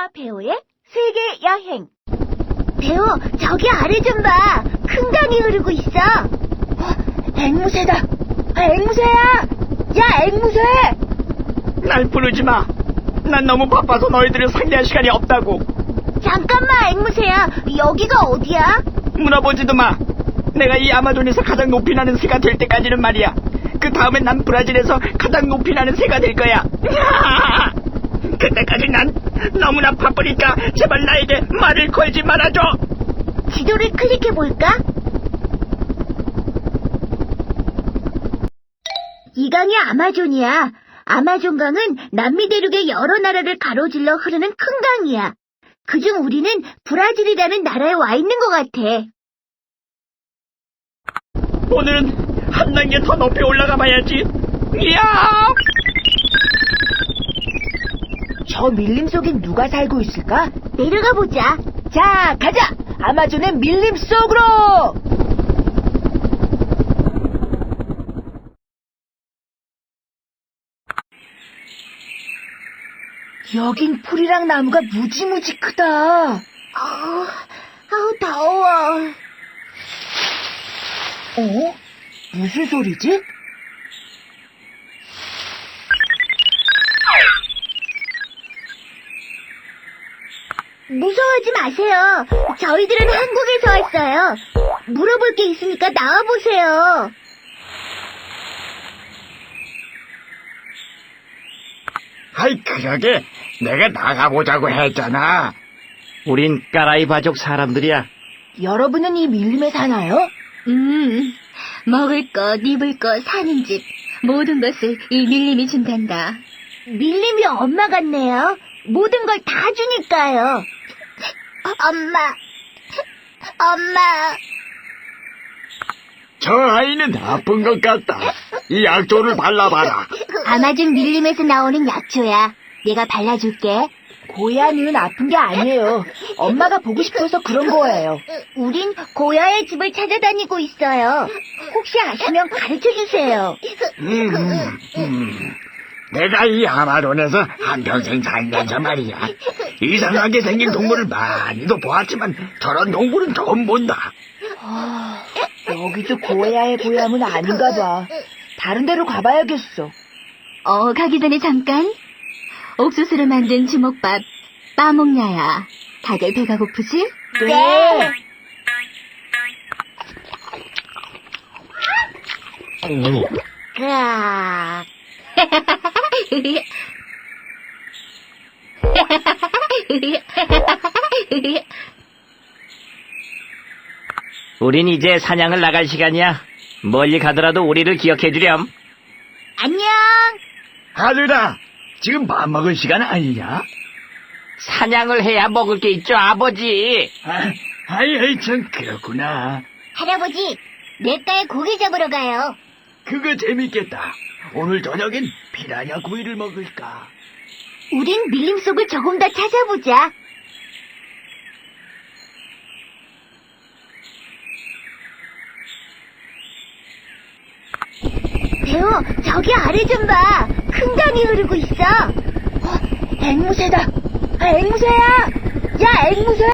배우의 세계 여행. 배우, 저기 아래 좀 봐. 큰 강이 흐르고 있어. 앵무새다. 앵무새야. 야, 앵무새. 날 부르지 마. 난 너무 바빠서 너희들을 상대할 시간이 없다고. 잠깐만, 앵무새야. 여기가 어디야? 물어보지도 마. 내가 이 아마존에서 가장 높이 나는 새가 될 때까지는 말이야. 그 다음엔 난 브라질에서 가장 높이 나는 새가 될 거야. 그때까지 난 너무나 바쁘니까 제발 나에게 말을 걸지 말아줘. 지도를 클릭해볼까? 이 강이 아마존이야. 아마존강은 남미 대륙의 여러 나라를 가로질러 흐르는 큰 강이야. 그중 우리는 브라질이라는 나라에 와 있는 것 같아. 오늘은 한 단계 더 높이 올라가 봐야지. 이야! 저 밀림 속엔 누가 살고 있을까? 내려가 보자. 자, 가자! 아마존의 밀림 속으로! 여긴 풀이랑 나무가 무지무지 크다. 아우, 더워. 무슨 소리지? 무서워하지 마세요. 저희들은 한국에서 왔어요. 물어볼 게 있으니까 나와보세요. 아이, 그러게 내가 나가보자고 했잖아. 우린 까라이 바족 사람들이야. 여러분은 이 밀림에 사나요? 먹을 것, 입을 것, 사는 집, 모든 것을 이 밀림이 준단다. 밀림이 엄마 같네요. 모든 걸 다 주니까요. 엄마. 저 아이는 아픈 것 같다. 이 약초를 발라봐라. 아마존 밀림에서 나오는 약초야. 내가 발라줄게. 고야는 아픈 게 아니에요. 엄마가 보고 싶어서 그런 거예요. 우린 고야의 집을 찾아다니고 있어요. 혹시 아시면 가르쳐주세요. 내가 이 아마존에서 한평생 살면서 말이야. 이상하게 생긴 동물을 많이도 보았지만 저런 동물은 처음 본다. 여기도 고야의 고향은 아닌가 봐. 다른 데로 가봐야겠어. 가기 전에 잠깐. 옥수수로 만든 주먹밥 빠먹냐야. 다들 배가 고프지? 네. 으악. 우린 이제 사냥을 나갈 시간이야. 멀리 가더라도 우리를 기억해 주렴. 안녕. 아들아, 지금 밥 먹을 시간 아니냐? 사냥을 해야 먹을 게 있죠, 아버지. 아이, 참 그렇구나. 할아버지, 냇가에 고기 잡으러 가요. 그거 재밌겠다. 오늘 저녁엔 피라냐 구이를 먹을까? 우린 밀림 속을 조금 더 찾아보자. 배우, 저기 아래 좀 봐. 큰 강이 흐르고 있어. 앵무새다. 앵무새야. 야, 앵무새.